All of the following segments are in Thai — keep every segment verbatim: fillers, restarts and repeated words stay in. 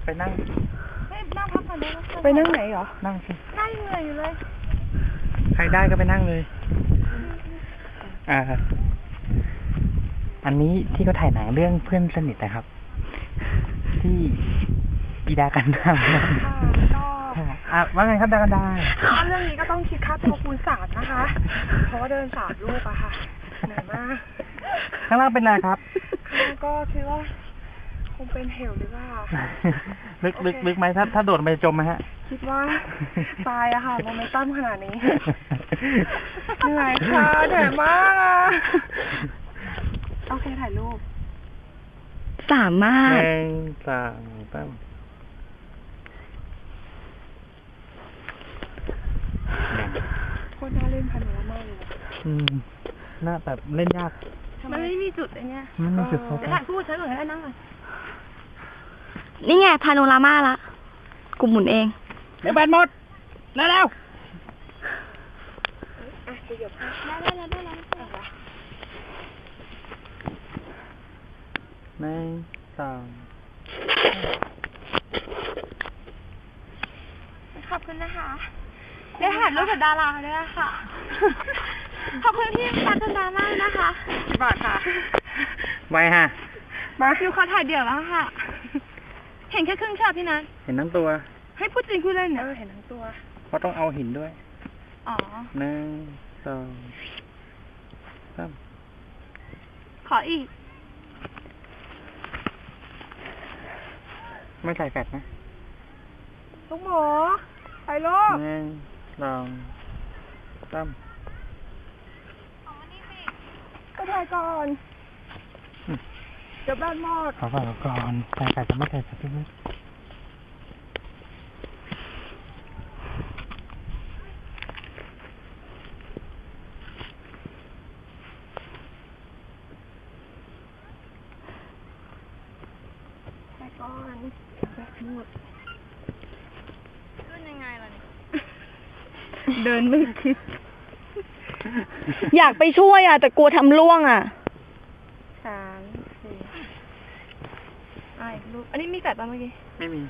ไปนั่งเฮ้ยนั่งพักก่อนได้ไหมไปนั่งไหนเหรอนั่งสินั่งเหนื่อยอยู่เลยใครได้ก็ไปนั่งเลยอ่าอันนี้ที่เขาถ่ายหนังเรื่องเพื่อนสนิทนะครับที่ปีดากันดาก็อ่ะว่าไงครับดากันดาเรื่องนี้ก็ต้องคิดค่าตัวคูณสามนะคะเพราะว่าเดินสามลูกอะค่ะเหนื่อยมากข้างล่างเป็นอะไรครับก็คิดว่าคงเป็นเหวหรือเปล่าลึกลึกลึกไหมถ้าถ้าโดดไปจมไหมฮะคิดว่าตายอะค่ะโมเมนตัมขนาดนี้เหนื่อยค่ะเหนื่อยมากอะโอเคถ่ายรูปสามารถหนึ่งสองสามคนน่าเล่นพันธุ์มากเลยอืมน่าแบบเล่นยากมันไม่มีจุดอะไรเงี้ยมันไม่มีจุดโฟกัสถ่ายพูดใช้ก่อนให้นั่งก่อนนี่ไงพาโนรามาละกูหมุนเองเดี๋ยวแบตหมดแล้วแล้วอ่ะเดี๋ยวได้ได้แล้วได้แล้วหนึ่งสองขอบคุณนะคะได้ถ่ายรูปกับดาราด้วยค่ะขอบคุณพี่ตาจันดามากนะคะบาทค่ะไว้ฮะมาฟิวเขาถ่ายเดี่ยวแล้วค่ะเห็นแค่ครึ่งช็อตพี่นัทเห็นทั้งตัวให้พูดจริงพูดเล่นเนี่ยเออเห็นทั้งตัวเพราะต้องเอาหินด้วยอ๋อหนึ่งสองสามขออีกไม่ใส่แฟตนะลูกหมอไปลูกหนึ่งสองสามก็ถ่ายก่อนเดี๋ยวบ้านหมดขอฝากก่อนใส่แฟตจะไม่ใส่แฟตพี่บุ๊คก่อนแบบหมดขึ้นยังไงล่ะเนี่ยเดินไม่คิดอยากไปช่วยอ่ะแต่กลัวทำล่วงอ่ะสามสี่ไอ้ลูกอันนี้มีแฟดป่ะเมื่อกี้ไม่มี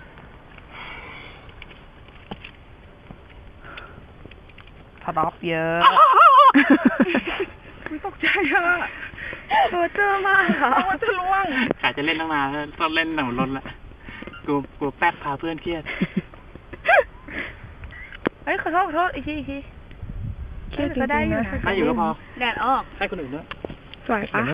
ทดอปเยอะไม่ตกใจอ่ะตัวเจอมากค่ะมันจะล่วงกะจะเล่นตั้งนานแล้วต้องเล่นหนังรถละกลัวกลัวแป๊กพาเพื่อนเครียดเฮ้ยขอโทษขอโทษอีกทีอีกทีเครียดก็ได้อยู่นะได้อยู่ก็พอแดดออกให้คนอื่นด้วยสวยปะ